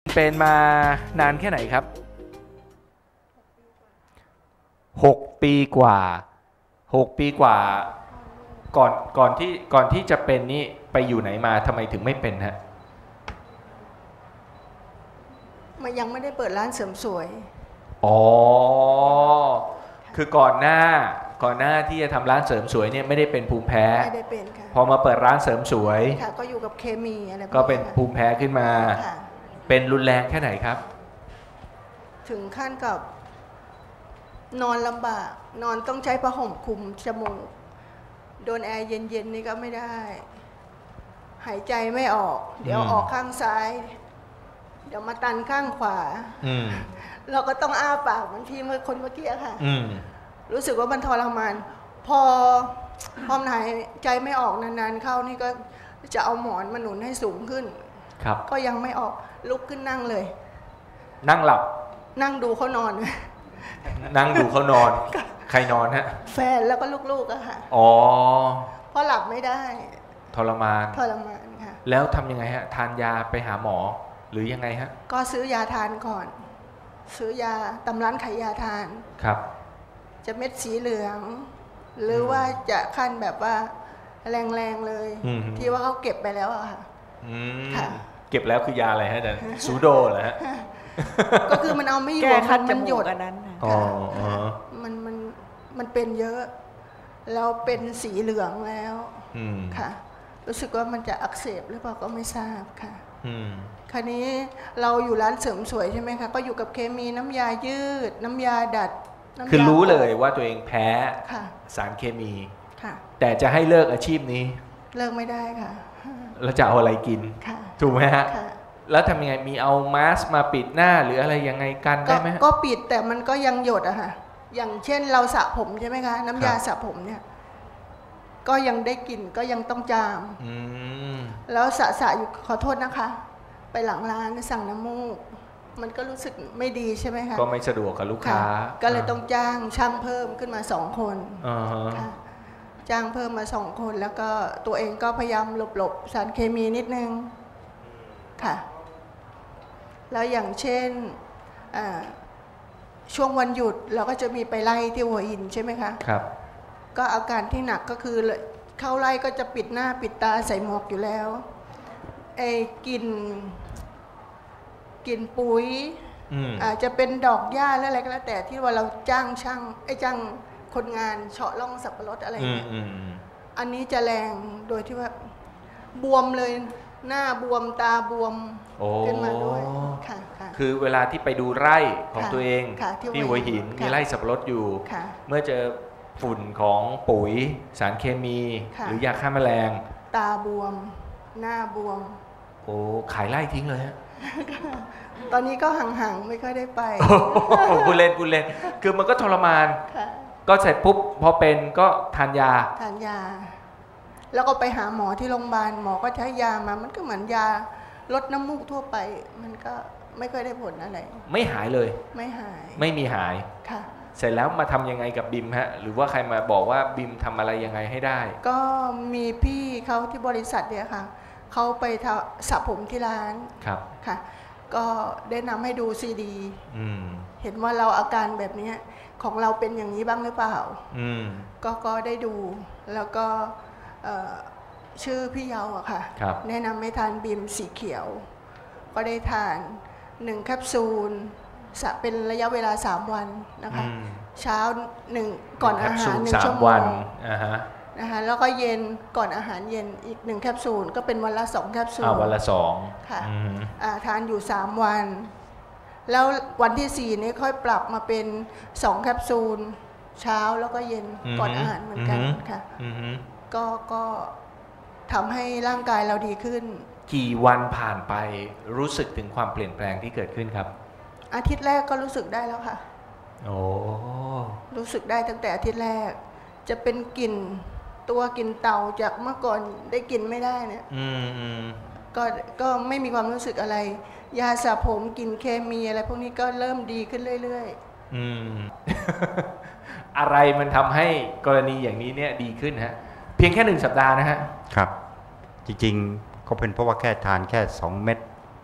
เป็นมานานแค่ไหนครับ6 ปีกว่า6 ปีกว่าก่อนที่จะเป็นนี่ไปอยู่ไหนมาทำไมถึงไม่เป็นฮะมันยังไม่ได้เปิดร้านเสริมสวยอ๋อคือก่อนหน้าที่จะทำร้านเสริมสวยเนี่ยไม่ได้เป็นภูมิแพ้ไม่ได้เป็นค่ะพอมาเปิดร้านเสริมสวยค่ะก็อยู่กับเคมีอะไรก็เป็นภูมิแพ้ขึ้นมาเป็นรุนแรงแค่ไหนครับถึงขั้นกับนอนลำบากนอนต้องใช้ผ้าห่มคลุมจมูกโดนแอร์เย็นๆนี่ก็ไม่ได้หายใจไม่ออกเดี๋ยวออกข้างซ้ายเดี๋ยวมาตันข้างขวาเราก็ต้องอ้าปากเหมือนที่คนเมื่อกี้ค่ะรู้สึกว่ามันทรมานพอมันหายใจไม่ออกนานๆเข้านี่ก็จะเอาหมอนมาหนุนให้สูงขึ้นครับก็ยังไม่ออกลุกขึ้นนั่งเลยนั่งหลับนั่งดูเขานอนนั่งดูเขานอนใครนอนฮะแฟนแล้วก็ลูกๆอะค่ะอ๋อเพราะหลับไม่ได้ทรมานค่ะแล้วทำยังไงฮะทานยาไปหาหมอหรือยังไงฮะก็ซื้อยาทานก่อนซื้อยาตำร้านขายยาทานครับจะเม็ดสีเหลืองหรือว่าจะขั้นแบบว่าแรงๆเลยที่ว่าเขาเก็บไปแล้วอะค่ะเก็บแล้วคือยาอะไรฮะอาจารย์ซูโดเหรอฮะก็คือมันเอาไม่อยู่มันหยดอันนั้นมันเป็นเยอะแล้วเป็นสีเหลืองแล้วค่ะรู้สึกว่ามันจะอักเสบหรือเปล่าก็ไม่ทราบค่ะคราวนี้เราอยู่ร้านเสริมสวยใช่ไหมคะก็อยู่กับเคมีน้ำยายืดน้ำยาดัดคือรู้เลยว่าตัวเองแพ้สารเคมีแต่จะให้เลิกอาชีพนี้เลิกไม่ได้ค่ะแล้วจะเอาอะไรกินถูกไหมฮะแล้วทำยังไงมีเอามาสก์มาปิดหน้าหรืออะไรยังไงกันได้ไหมก็ปิดแต่มันก็ยังหยดอะค่ะอย่างเช่นเราสระผมใช่ไหมคะน้ำยาสระผมเนี่ยก็ยังได้กลิ่นก็ยังต้องจามแล้วสระอยู่ขอโทษนะคะไปหลังร้านสั่งน้ำมูกมันก็รู้สึกไม่ดีใช่ไหมคะก็ไม่สะดวกกับลูกค้าก็เลยต้องจ้างช่างเพิ่มขึ้นมา2 คนค่ะจ้างเพิ่มมา2 คนแล้วก็ตัวเองก็พยายามหลบสารเคมีนิดนึงค่ะแล้วอย่างเช่นช่วงวันหยุดเราก็จะมีไปไล่ที่หัวหินใช่ไหมคะครับก็อาการที่หนักก็คือเข้าไล่ก็จะปิดหน้าปิดตาใส่หมวกอยู่แล้วกินปุ๋ยอาจจะเป็นดอกหญ้าและอะไรก็แล้วแต่ที่ว่าเราจ้างช่างจ้างคนงานเฉาะร่องสับปะรดอะไรเนี่ยอันนี้จะแรงโดยที่ว่าบวมเลยหน้าบวมตาบวมขึ้นมาด้วยค่ะคือเวลาที่ไปดูไร่ของตัวเองที่หัวหินมีไร่สับปะรดอยู่เมื่อเจอฝุ่นของปุ๋ยสารเคมีหรือยาฆ่าแมลงตาบวมหน้าบวมโอ้ขายไร่ทิ้งเลยฮะตอนนี้ก็ห่างๆไม่ค่อยได้ไปพูดเล่นคือมันก็ทรมานก็เสร็จปุ๊บพอเป็นก็ทานยาแล้วก็ไปหาหมอที่โรงพยาบาลหมอก็ใช้ยามามันก็เหมือนยาลดน้ำมูกทั่วไปมันก็ไม่ค่อยได้ผลอะไรไม่หายเลยไม่มีหายค่ะเสร็จแล้วมาทำยังไงกับบิมฮะหรือว่าใครมาบอกว่าบิมทำอะไรยังไงให้ได้ก็มีพี่เขาที่บริษัทเนี่ยค่ะเขาไปสระผมที่ร้านครับค่ะก็ได้นำให้ดูซีดีเห็นว่าเราอาการแบบนี้ของเราเป็นอย่างนี้บ้างหรือเปล่าก็ได้ดูแล้วก็ชื่อพี่เยาอะค่ะแนะนำให้ทานบีมสีเขียวก็ได้ทาน1 แคปซูลเป็นระยะเวลา3 วันนะคะเช้า1ก่อนอาหาร1 ชั่วโมงนะคะแล้วก็เย็นก่อนอาหารเย็นอีก1 แคปซูลก็เป็นวันละ2 แคปซูลวันละ2 ค่ะทานอยู่3 วันแล้ววันที่4นี้ค่อยปรับมาเป็น2 แคปซูลเช้าแล้วก็เย็นก่อนอาหารเหมือนกันค่ะก็ทำให้ร่างกายเราดีขึ้นกี่วันผ่านไปรู้สึกถึงความเปลี่ยนแปลงที่เกิดขึ้นครับอาทิตย์แรกก็รู้สึกได้แล้วค่ะรู้สึกได้ตั้งแต่อาทิตย์แรกจะเป็นกลิ่นเต่าจากเมื่อก่อนได้กลิ่นไม่ได้เนี่ยก็ไม่มีความรู้สึกอะไรยาสระผมกลิ่นเคมีอะไรพวกนี้ก็เริ่มดีขึ้นเรื่อยๆอะไรมันทำให้กรณีอย่างนี้เนี่ยดีขึ้นฮะเพียงแค่1 สัปดาห์นะฮะครับจริงๆก็เป็นเพราะว่าแค่ทานแค่2 เม็ด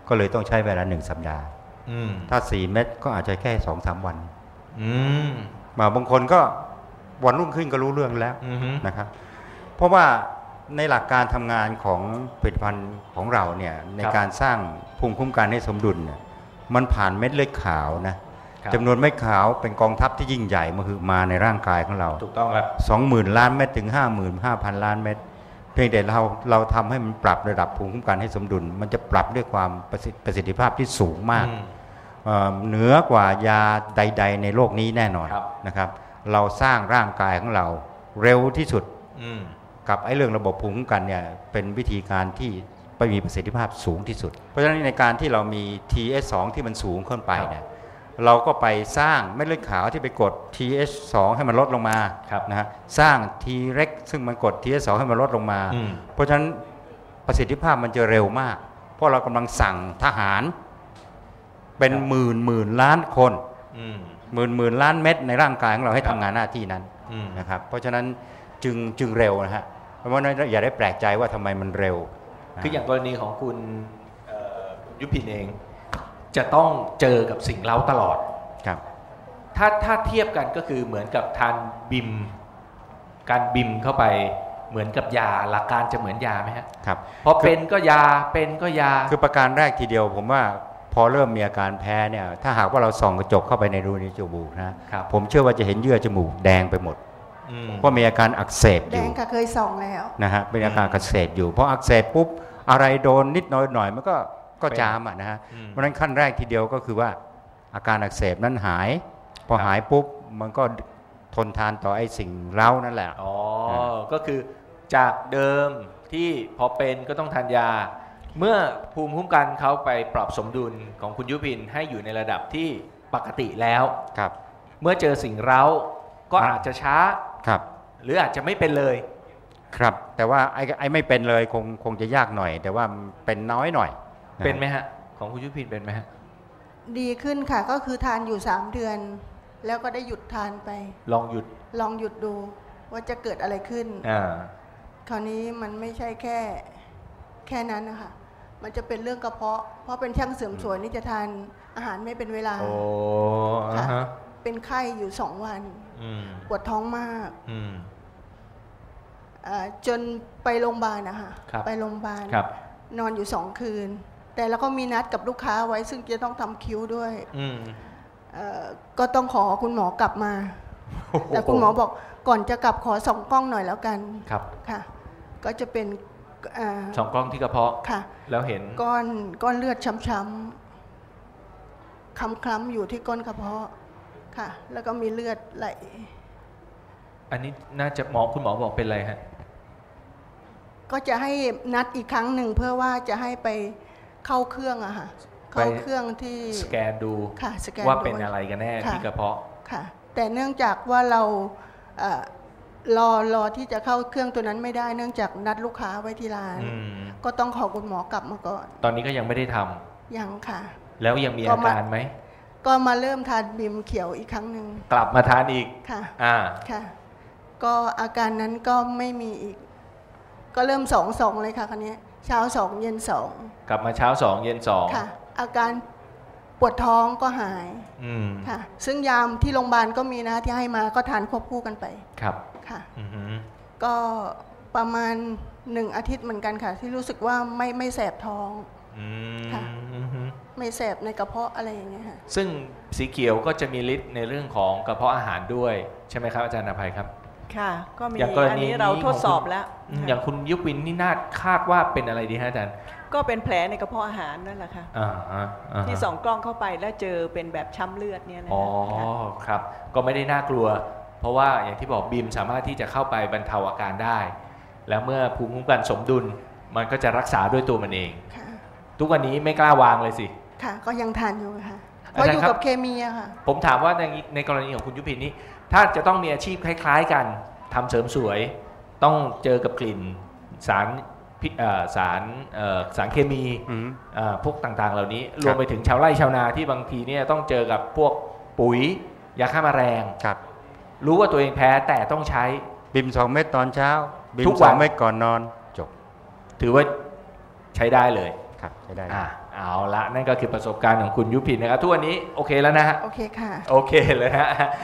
ก็เลยต้องใช้เวลา1 สัปดาห์ถ้า4 เม็ดก็อาจจะแค่2-3 วันบางคนก็วันรุ่งขึ้นก็รู้เรื่องแล้วนะครับเพราะว่าในหลักการทำงานของผลิตภัณฑ์ของเราเนี่ยในการสร้างภูมิคุ้มกันให้สมดุลเนี่ยมันผ่านเม็ดเลือดขาวนะจำนวนเม็ดขาวเป็นกองทัพที่ยิ่งใหญ่มาในร่างกายของเราถูกต้องครับ20,000 ล้านเม็ดถึง 55,000 ล้านเม็ดเพียงแต่เราทำให้มันปรับระดับภูมิคุ้มกันให้สมดุลมันจะปรับด้วยความประสิทธิภาพที่สูงมากเหนือกว่ายาใดๆในโลกนี้แน่นอนนะครับเราสร้างร่างกายของเราเร็วที่สุดกับไอ้เรื่องระบบภูมิคุ้มกันเนี่ยเป็นวิธีการที่ไปมีประสิทธิภาพสูงที่สุดเพราะฉะนั้นในการที่เรามี TH2 ที่มันสูงขึ้นไปเนี่ยเราก็ไปสร้างเม็ดเลือดขาวที่ไปกด TH2 ให้มันลดลงมานะฮะสร้าง T-REX ซึ่งมันกด TH2 ให้มันลดลงมาเพราะฉะนั้นประสิทธิภาพมันจะเร็วมากเพราะเรากำลังสั่งทหารเป็นหมื่นล้านคนหมื่นล้านเม็ดในร่างกายของเราให้ทำงานหน้าที่นั้นนะครับเพราะฉะนั้นจึงเร็วนะฮะเพราะว่าอย่าได้แปลกใจว่าทำไมมันเร็วคืออย่างกรณีของคุณยุพินเองจะต้องเจอกับสิ่งเร้าตลอดครับถ้าเทียบกันก็คือเหมือนกับทานบิมการบิมเข้าไปเหมือนกับยาหลักการจะเหมือนยาไหมครับพอเป็นก็ยาเป็นก็ยาคือประการแรกทีเดียวผมว่าพอเริ่มมีอาการแพ้เนี่ยถ้าหากว่าเราส่องกระจกเข้าไปในรูจมูกนะผมเชื่อว่าจะเห็นเยื่อจมูกแดงไปหมดเพราะมีอาการอักเสบอยู่แดงค่ะเคยส่องแล้วนะฮะเป็นอาการอักเสบอยู่เพราะอักเสบปุ๊บอะไรโดนนิดหน่อยมันก็จามนะฮะเพราะฉะนั้นขั้นแรกทีเดียวก็คือว่าอาการอักเสบนั้นหายพอหายปุ๊บมันก็ทนทานต่อไอ้สิ่งเร้านั่นแหละก็คือจากเดิมที่พอเป็นก็ต้องทานยาเมื่อภูมิคุ้มกันเขาไปปรับสมดุลของคุณยุพินให้อยู่ในระดับที่ปกติแล้วครับเมื่อเจอสิ่งเร้าก็อาจจะช้าครับหรืออาจจะไม่เป็นเลยครับแต่ว่าไอ้ไม่เป็นเลยคงจะยากหน่อยแต่ว่าเป็นน้อยหน่อยเป็นไหมฮะของคุณยุพินเป็นไหมฮะดีขึ้นค่ะก็คือทานอยู่3 เดือนแล้วก็ได้หยุดทานไปลองหยุดดูว่าจะเกิดอะไรขึ้นคราวนี้มันไม่ใช่แค่นั้นนะคะมันจะเป็นเรื่องกระเพาะเพราะเป็นช่างเสริมสวยนี่จะทานอาหารไม่เป็นเวลาค่ะเป็นไข้อยู่2 วันปวดท้องมากจนไปโรงพยาบาลนะคะไปโรงพยาบาลนอนอยู่2 คืนแต่แล้วก็มีนัดกับลูกค้าไว้ซึ่งจะต้องทำคิ้วด้วยก็ต้องขอคุณหมอกลับมาแต่คุณหมอบอกก่อนจะกลับขอส่องกล้องหน่อยแล้วกันครับค่ะก็จะเป็นส่องกล้องที่กระเพาะค่ะแล้วเห็นก้อนเลือดช้ำๆคล้ำๆอยู่ที่ก้นกระเพาะค่ะแล้วก็มีเลือดไหลอันนี้น่าจะคุณหมอบอกเป็นอะไรฮะก็จะให้นัดอีกครั้งหนึ่งเพื่อว่าจะให้ไปเข้าเครื่องอะค่ะเข้าเครื่องที่สแกนดูค่ะสแกนว่าเป็นอะไรกันแน่ที่กระเพาะค่ะแต่เนื่องจากว่าเรารอที่จะเข้าเครื่องตัวนั้นไม่ได้เนื่องจากนัดลูกค้าไว้ที่ร้านก็ต้องขอคุณหมอกลับมาก่อนตอนนี้ก็ยังไม่ได้ทำยังค่ะแล้วยังมีอาการไหมก็มาเริ่มทานบิมเขียวอีกครั้งหนึ่งกลับมาทานอีกค่ะค่ะก็อาการนั้นก็ไม่มีอีกก็เริ่ม2เลยค่ะคราวนี้เช้า2เย็น2 กลับมาเช้า2เย็น2 ค่ะอาการปวดท้องก็หายค่ะซึ่งยามที่โรงพยาบาลก็มีนะที่ให้มาก็ทานควบคู่กันไปครับค่ะก็ประมาณ1 อาทิตย์เหมือนกันค่ะที่รู้สึกว่าไม่แสบท้องค่ะไม่แสบในกระเพาะอะไรอย่างเงี้ยค่ะซึ่งสีเขียวก็จะมีฤทธิ์ในเรื่องของกระเพาะอาหารด้วยใช่ไหมครับอาจารย์อภัยครับค่ะก็มีอันนี้เราทดสอบแล้วอย่างคุณยุพินนี่น่าคาดว่าเป็นอะไรดีฮะอาจารย์ก็เป็นแผลในกระเพาะอาหารนั่นแหละค่ะที่ส่องกล้องเข้าไปแล้วเจอเป็นแบบช้ำเลือดเนี่ยนะอ๋อครับก็ไม่ได้น่ากลัวเพราะว่าอย่างที่บอกบีมสามารถที่จะเข้าไปบรรเทาอาการได้แล้วเมื่อภูมิคุ้มกันสมดุลมันก็จะรักษาด้วยตัวมันเองทุกวันนี้ไม่กล้าวางเลยสิค่ะก็ยังทานอยู่ค่ะเพราะอยู่กับเคมีอะค่ะผมถามว่าในกรณีของคุณยุพินนี้ถ้าจะต้องมีอาชีพคล้ายๆกันทำเสริมสวยต้องเจอกับกลิ่นสารเคมีพวกต่างๆเหล่านี้รวมไปถึงชาวไร่ชาวนาที่บางทีเนี่ยต้องเจอกับพวกปุ๋ยยาฆ่าแมลงรู้ว่าตัวเองแพ้แต่ต้องใช้บิม2 เม็ดตอนเช้าบิม2 เม็ดก่อนนอนจบถือว่าใช้ได้เลยครับใช้ได้เอาละนั่นก็คือประสบการณ์ของคุณยุพินนะครับทุกวันนี้โอเคแล้วนะฮะโอเคค่ะโอเคเลยฮะ